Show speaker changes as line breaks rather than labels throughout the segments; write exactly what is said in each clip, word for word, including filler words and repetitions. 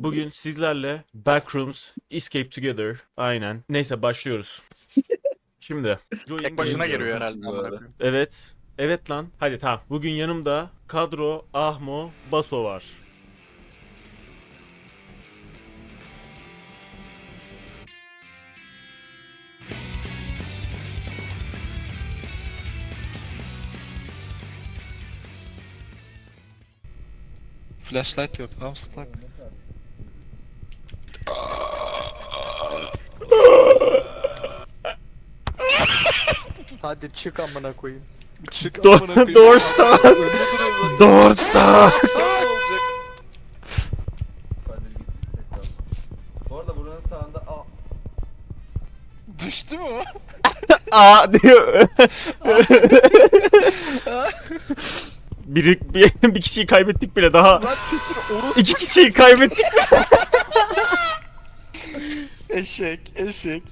Bugün sizlerle Backrooms Escape Together. Aynen. Neyse başlıyoruz. Şimdi.
Tek başına giriyor
Join-
herhalde. amına koyayım.
Evet. Evet lan. Hadi tamam. Bugün yanımda Kadro, Ahmo, Baso var.
Flashlight yok. I'm stuck.
Hadi çık amına koyayım.
Çık
Do-
amına koyayım.
Door start.
Önünde duruyor
Door start.
zaten. Ne olacak?
Kadir gitti tekrar. Bu arada buranın sağında aa,
Düştü mü o?
Aa diyor. Biri, bir, bir kişiyi kaybettik bile daha.
Lan kesin orası.
İki kişiyi kaybettik.
Eşek, eşek.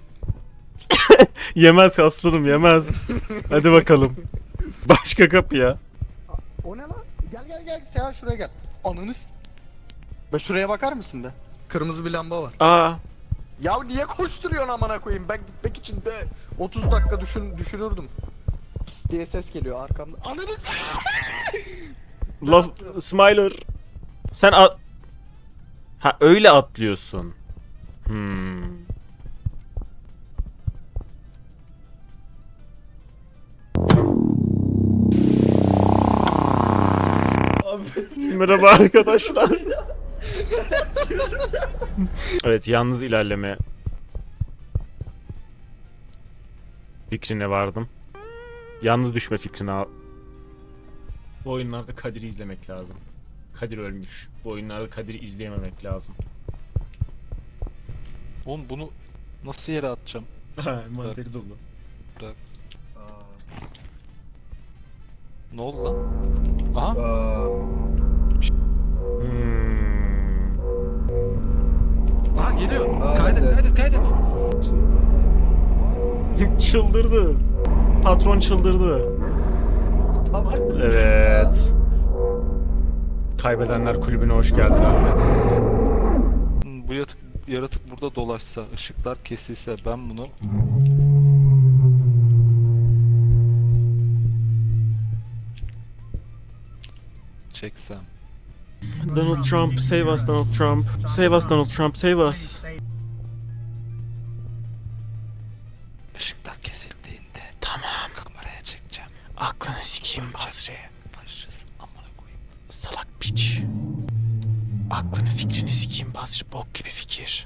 Yemez aslanım yemez. Hadi bakalım. Başka kapıya.
O ne lan? Gel gel gel sen şuraya gel. Ananı s- Be şuraya bakar mısın be? Kırmızı bir lamba var.
Aa.
Ya niye koşturuyorsun amına koyayım? Ben gitmek için de otuz dakika düşün düşürürdüm. Pıs diye ses geliyor arkamda. Ananı s-
Love Smiler. Sen at... Ha öyle atlıyorsun. Hmm.
abi
Merhaba arkadaşlar. Evet yalnız ilerleme fikrine vardım. Yalnız düşme fikrine al. Bu oyunlarda Kadir'i izlemek lazım. Kadir ölmüş. Bu oyunlarda Kadir'i izleyememek lazım.
Oğlum bunu nasıl yere atacağım?
Manteri dolu.
aa,
Ne oldu lan? Aha.
aa,
Hmm.
Aha geliyor.
Aa,
Kaydet,
evet.
kaydet, kaydet.
Çıldırdı. Patron çıldırdı.
ama
Evet. Kaybedenler kulübüne hoş geldin Ahmet.
Hmm, Bu yatık, yaratık burada dolaşsa, ışıklar kesilse ben bunu... Çeksem.
Donald Trump, save us Donald Trump. Save us Donald Trump, save us.
Işıklar kesildiğinde
Tamam.
kameraya çekeceğim.
Aklını sikeyim Basri.
Başlayacağız. Amına koyayım.
Salak piç. Aklını fikrini sikeyim Basri. Bok gibi fikir.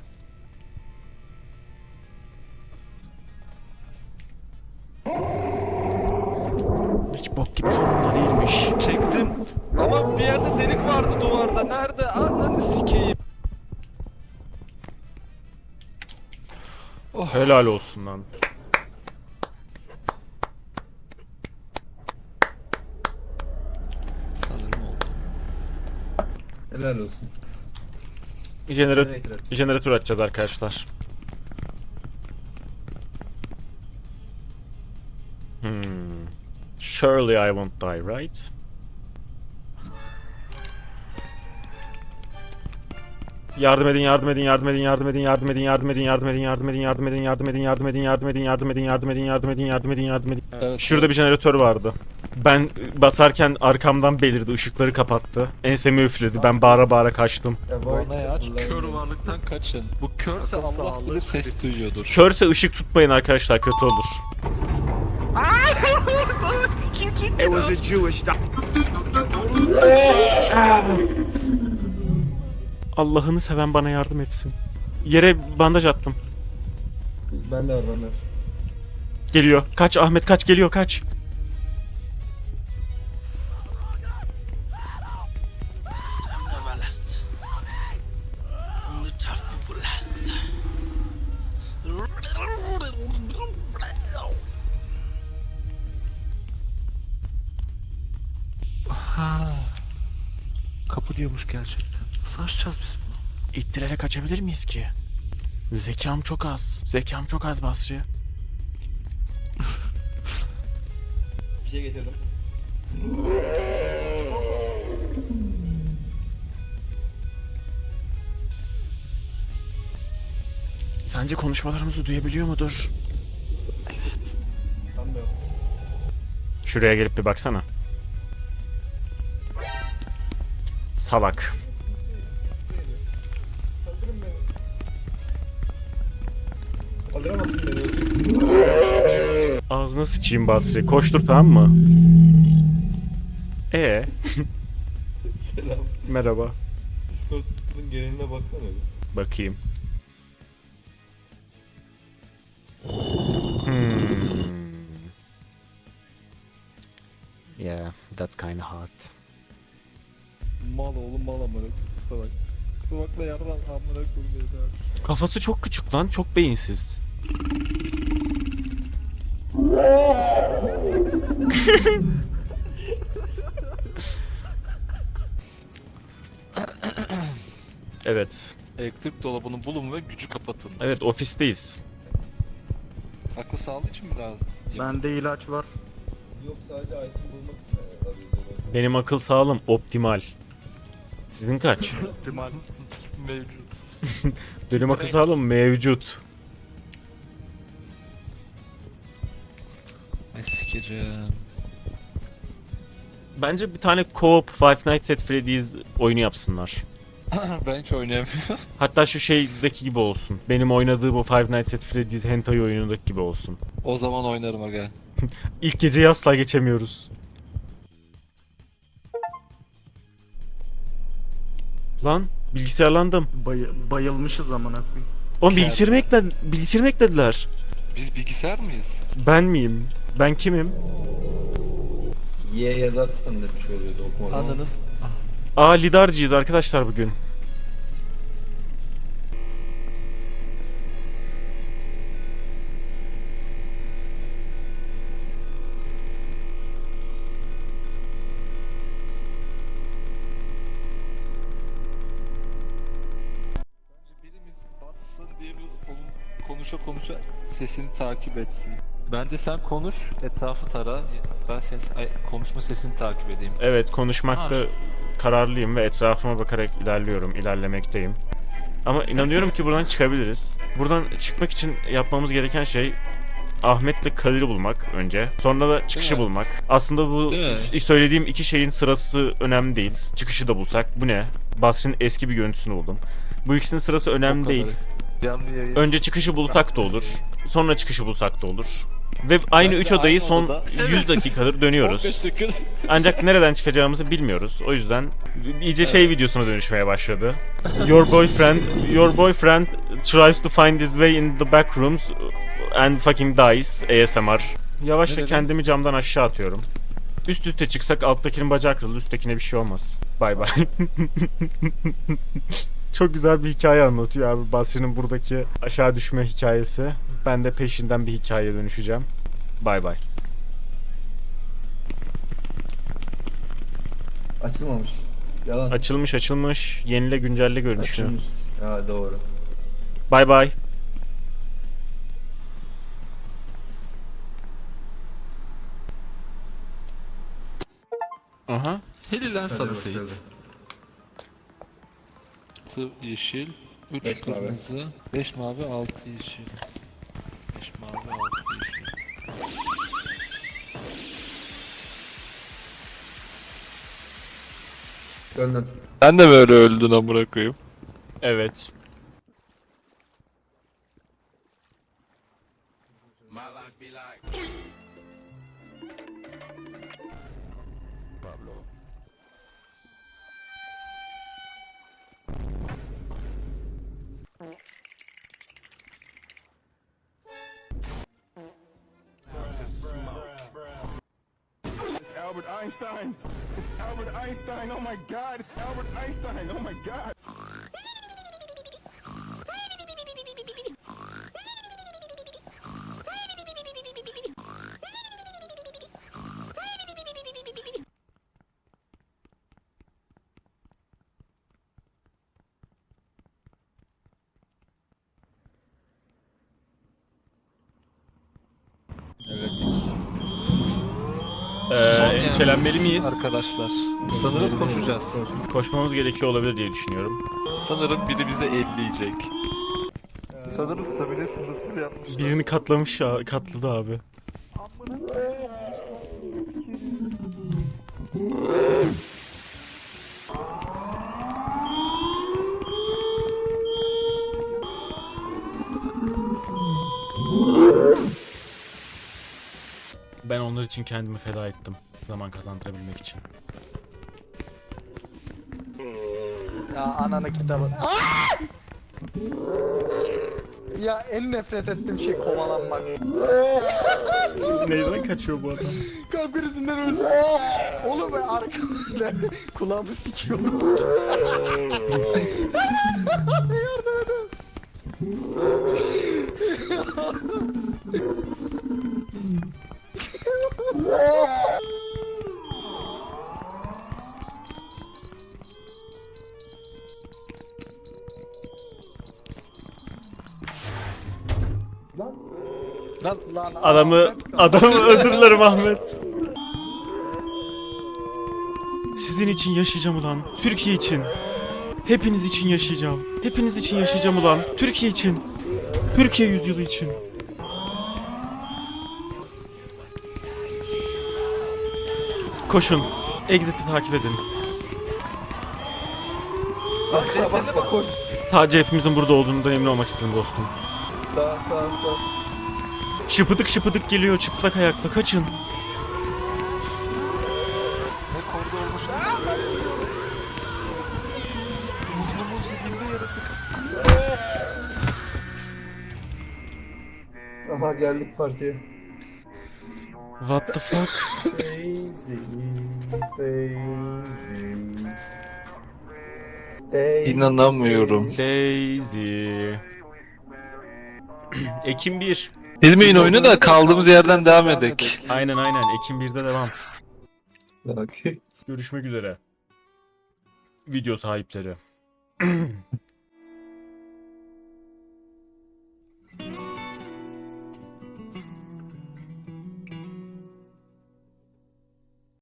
Hiç bok gibi falan da değilmiş.
Çektim. Ama bir yerde delik vardı duvarda. Nerede? Ananı sikeyim. Oh.
Helal olsun lan.
Sanırım oldu.
helal olsun.
Jenerat
Generator aç.
jeneratör açacağız arkadaşlar. Hmm. Surely I won't die, right? Yardım edin, yardım edin, yardım edin, yardım edin, yardım edin, yardım edin, yardım edin, yardım edin, yardım edin, yardım edin, yardım edin, yardım edin, yardım edin, yardım edin, yardım edin, yardım edin, yardım edin.
Evet.
Şurada bir jeneratör vardı. Ben basarken arkamdan belirdi, ışıkları kapattı. Ensemi üfledi, ben bağıra bağıra kaçtım.
Avoid
Ornayı aç.
flying.
Kör varlıktan kaçın. Bu körse
Akıl
Allah
sağlığı
bilir ses duyuyordur.
Körse ışık tutmayın arkadaşlar, kötü olur.
It was a Jewish
Allah'ını seven bana yardım etsin. Yere bandaj attım.
Ben de var ben de var.
Geliyor. Kaç Ahmet kaç geliyor kaç.
never lasts. Only tough people last.
Ha. Kapı diyormuş gerçekten. Nasıl açacağız biz bunu?
İttirerek kaçabilir miyiz ki? Zekam çok az. Zekam çok az Basri.
Bir şey getirdim.
Sence konuşmalarımızı duyabiliyor mudur?
Ben de.
Şuraya gelip bir baksana. Salak.
Kaldıramazsın beni.
Ağzına sıçayım Basri. Koştur, tamam mı? Ee,
Selam.
merhaba.
Discord'un geneline baksana bir.
Bakayım. Hmm. Yeah, that's kinda hot.
Mal oğlum mal amına. Kusura bak. Kusura bakma yardan amına koyayım abi.
Kafası çok küçük lan, çok beyinsiz. Evet.
Elektrik dolabını bulun ve gücü kapatın.
Evet, ofisteyiz.
Akıl sağlığı için mi lazım?
Bende ilaç var.
Yok sadece item bulmak için arıyoruz.
Benim akıl sağlığım optimal. Sizin kaç?
İhtimal.
Mevcut.
Benim akıl sağlığım mevcut.
Ay sikeceğim.
Bence bir tane co-op Five Nights at Freddy's oyunu yapsınlar.
Ben hiç oynayamıyorum.
Hatta şu şeydeki gibi olsun. Benim oynadığım o Five Nights at Freddy's hentai oyunundaki gibi olsun.
O zaman oynarım aga.
İlk geceyi asla geçemiyoruz. Lan bilgisayarlandım.
Bay- bayılmışız amına koyayım.
Oğlum bilgisayarımı ekle bilgisayarımı eklediler.
Biz bilgisayar mıyız?
Ben miyim? Ben kimim?
Y yazarsan da bir şey oluyordu okumadan.
Ananız.
Aa, lidarcıyız arkadaşlar bugün.
Birimiz batsın, diğerimiz onun konuşa konuşa sesini takip etsin. Ben de sen konuş, etrafı tara. Ben ses, ay, konuşma sesini takip edeyim.
Evet, konuşmakta
Ha.
kararlıyım ve etrafıma bakarak ilerliyorum, ilerlemekteyim. Ama inanıyorum ki buradan çıkabiliriz. Buradan çıkmak için yapmamız gereken şey Ahmet'le Kadir'i bulmak önce. Sonra da çıkışı
Değil mi?
bulmak. Aslında bu
Değil mi?
s- söylediğim iki şeyin sırası önemli değil. Çıkışı da bulsak. Bu ne? Basri'nin eski bir görüntüsünü buldum. Bu ikisinin sırası önemli
O kadar.
değil.
Canlı yayın.
Önce çıkışı bulsak da olur. Sonra çıkışı bulsak da olur. Ve aynı
Ben
üç
de
odayı
aynı
son
odada-
yüz dakikadır dönüyoruz.
on beş dakika.
Ancak nereden çıkacağımızı bilmiyoruz. O yüzden iyice şey videosuna dönüşmeye başladı. Your boyfriend, your boyfriend tries to find his way in the back rooms and fucking dies. A S M R. Yavaşça
Ne dedin?
kendimi camdan aşağı atıyorum. Üst üste çıksak alttakinin bacağı kırılır, üsttekine bir şey olmaz. Bay bay. Çok güzel bir hikaye anlatıyor abi Basri'nin buradaki aşağı düşme hikayesi. Ben de peşinden bir hikayeye dönüşeceğim. Bay bay.
Açılmamış. Yalan.
Açılmış açılmış. Yenile güncelle görünüşü.
Açılmış. Ha doğru.
Bay bay. Aha.
Heli lan
Hadi
sana
başladı.
Seyit. Altı yeşil, üç
Beş mavi.
kırmızı, beş mavi, altı yeşil. Beş mavi, altı yeşil.
Döndüm.
Sen de böyle öldün amına koyayım.
Evet.
My life be like.
It's Albert Einstein. It's Albert Einstein. Oh my God. It's Albert Einstein. Oh my God.
Ee, endişelenmeli miyiz?
Arkadaşlar. Sanırım koşacağız.
Koşmamız gerekiyor olabilir diye düşünüyorum.
Sanırım biri bize elleyecek. Sanırım stamina sınırsız yapmışlar.
Birini katlamış ya, katladı abi. Ben onlar için kendimi feda ettim. Zaman kazandırabilmek için.
Ya ananı kitabı. Ya en nefret ettiğim şey kovalanmak.
Neyden kaçıyor bu adam?
Kalp krizinden öleceğim. Oğlum ben arkamda kulağımı sikiyorum. Yardım edin. Lan lan
Adamı,
Ahmet,
adamı özür dilerim Ahmet. Sizin için yaşayacağım ulan. Türkiye için. Hepiniz için yaşayacağım. Hepiniz için yaşayacağım ulan. Türkiye için. Türkiye yüzyılı için. Koşun. Exit'i takip edin.
Arkana bak bak koş.
Sadece hepimizin burada olduğundan emin olmak istedim dostum.
Sağ sağ sağ.
Şıpıdık şıpıdık geliyor çıplak ayakla. Kaçın.
Ne koridormuş. Muzlu muzlu bindi yaratık.
Aha geldik partiye.
What the fuck?
Daisy, Daisy, Daisy.
İnanamıyorum.
Daisy. Ekim bir.
Bilmeyin oyunu da kaldığımız yerden devam edek.
Aynen aynen. Ekim birde devam.
Bak.
Görüşmek üzere. Video sahipleri.